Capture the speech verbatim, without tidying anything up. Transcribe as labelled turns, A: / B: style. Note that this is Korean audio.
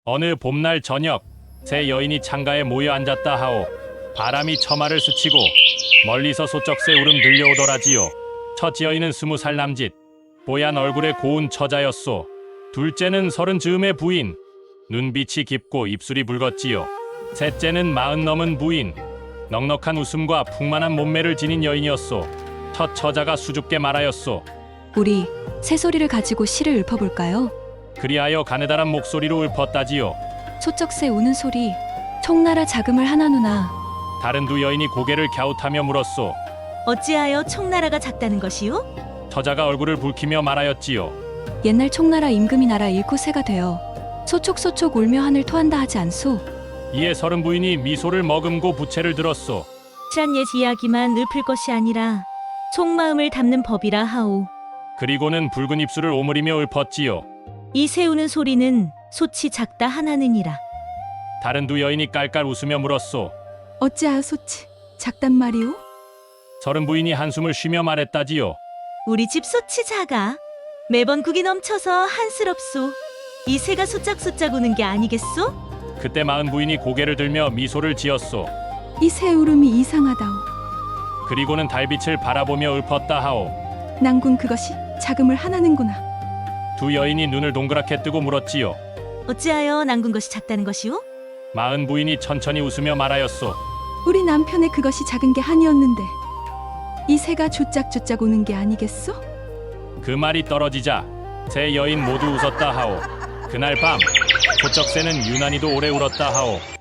A: 어느 봄날 저녁, 세 여인이 창가에 모여 앉았다 하오. 바람이 처마를 스치고 멀리서 소쩍새 울음 들려오더라지요. 첫 여인은 스무 살 남짓, 뽀얀 얼굴의 고운 처자였소. 둘째는 서른 즈음의 부인, 눈빛이 깊고 입술이 붉었지요. 셋째는 마흔 넘은 부인, 넉넉한 웃음과 풍만한 몸매를 지닌 여인이었소. 첫 처자가 수줍게 말하였소.
B: 우리 새소리를 가지고 시를 읊어볼까요?
A: 그리하여 가느다란 목소리로 읊었다지요.
B: 소쩍새 우는 소리, 총나라 자금을 하나누나.
A: 다른 두 여인이 고개를 갸웃하며 물었소.
C: 어찌하여 총나라가 작다는 것이요?
A: 처자가 얼굴을 붉히며 말하였지요.
B: 옛날 총나라 임금이 나라 잃고 새가 되어 소촉소촉 울며 하늘 토한다 하지 않소?
A: 이에 서른 부인이 미소를 머금고 부채를 들었소.
C: 짠 옛 이야기만 읊을 것이 아니라 속마음을 담는 법이라 하오.
A: 그리고는 붉은 입술을 오므리며 읊었지요.
C: 이 새우는 소리는 소치 작다 하나느니라.
A: 다른 두 여인이 깔깔 웃으며 물었소.
B: 어찌하여 소치 작단 말이오?
A: 서른 부인이 한숨을 쉬며 말했다지요.
C: 우리 집 소치 작아. 매번 국이 넘쳐서 한스럽소. 이 새가 소짝소짝 우는 게 아니겠소?
A: 그때 마흔 부인이 고개를 들며 미소를 지었소.
B: 이 새 울음이 이상하다오.
A: 그리고는 달빛을 바라보며 읊었다 하오.
B: 난군 그것이 자금을 하나는구나.
A: 두 여인이 눈을 동그랗게 뜨고 물었지요.
C: 어찌하여 난군 것이 작다는 것이오?
A: 마흔 부인이 천천히 웃으며 말하였소.
B: 우리 남편의 그것이 작은 게 한이었는데 이 새가 조짝조짝 우는 게 아니겠소?
A: 그 말이 떨어지자 세 여인 모두 웃었다 하오. 그날 밤 소쩍새는 유난히도 오래 울었다 하오.